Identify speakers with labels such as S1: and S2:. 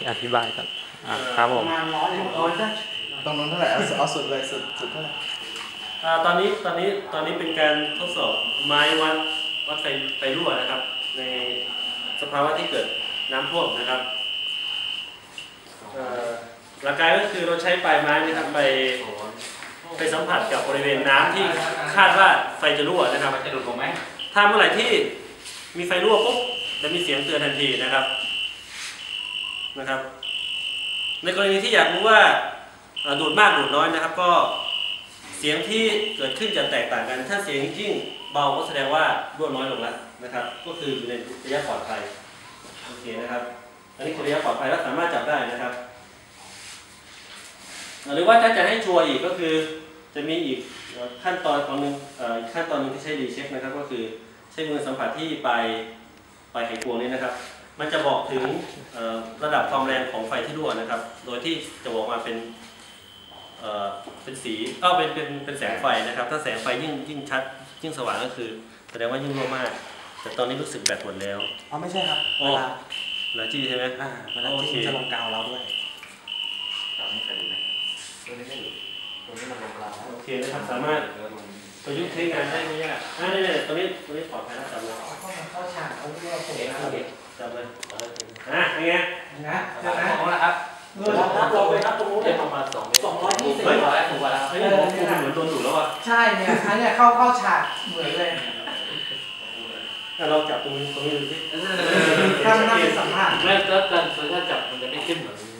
S1: อธิบายก่อนครับผม
S2: ประมาณ100ได้
S3: ตรงนู้นเท่าไหร่เอาสุดเลยสุดเท่าไหร่
S4: ตอนนี้เป็นการทดสอบไม้วัดไฟรั่วนะครับในสภาวะที่เกิดน้ำท่วมนะครับหลักการก็คือเราใช้ปลายไม้นะครับไปสัมผัสกับบริเวณน้ำที่คาดว่าไฟจะรั่วนะครับจะดูดลงไหมถ้าเมื่อไหร่ที่มีไฟรั่วปุ๊บจะมีเสียงเตือนทันทีนะครับในกรณีที่อยากรู้ว่าดูดมากดูดน้อยนะครับก็เสียงที่เกิดขึ้นจะแตกต่างกันถ้าเสียงยิ่งเบาก็แสดงว่ารั่วน้อยลงแล้วนะครับก็คืออยู่ในระยะปลอดภัยโอเคนะครับอันนี้คือระยะปลอดภัยและสามารถจับได้นะครับหรือว่าถ้าจะให้ชัวร์อีกก็คือจะมีอีกขั้นตอนของหนึ่งขั้นตอนนึงที่ใช้รีเช็คนะครับก็คือใช้มือสัมผัสที่ปลายไขควงนี้นะครับมันจะบอกถึงระดับความแรงของไฟที่รั่วนะครับโดยที่จะบอกมาเป็นสีเป็นแสงไฟนะครับถ้าแสงไฟยิ่งชัดยิ่งสว่างก็คือแสดงว่ายิ่งรั่วมากแต่ตอนนี้รู้สึกแบตหมดแล้ว
S2: อ๋อไม่ใช่ครับเวลา
S4: จี้ใช่ไหม
S2: เวลาจี้จะลงกาวเราด้วย
S3: ตัวนี้เคยดูไหมตัวนี้ไม่ดูตัวนี้มันลงกาว
S4: โอเคนะครับสามารถประยุกต์ใช้งานได้ไม่ยากนี่ตัวนี้ปลอดภัยแล้วจับเลย
S2: เข้าฉากเอาเรื่องผม
S4: จับเลยยังไง
S2: นะ
S3: ของนะครับ
S2: เราไปนับตรงนู้น
S3: เนี่ยประมาณ220
S4: เฮ้ยถูกกว่าแล้วเหมือนโดนดูดแล้วอ่ะ
S2: ใช่เนี่ยอันนี้เข้าฉากเหมือนเลย
S4: เราจับตรงนี้ดูสิ
S2: ถ้ามันน่าเป็นสัมผัส
S3: ไม่แล้วกันถ้าจับมันจะไม่ขึ้นเหมือน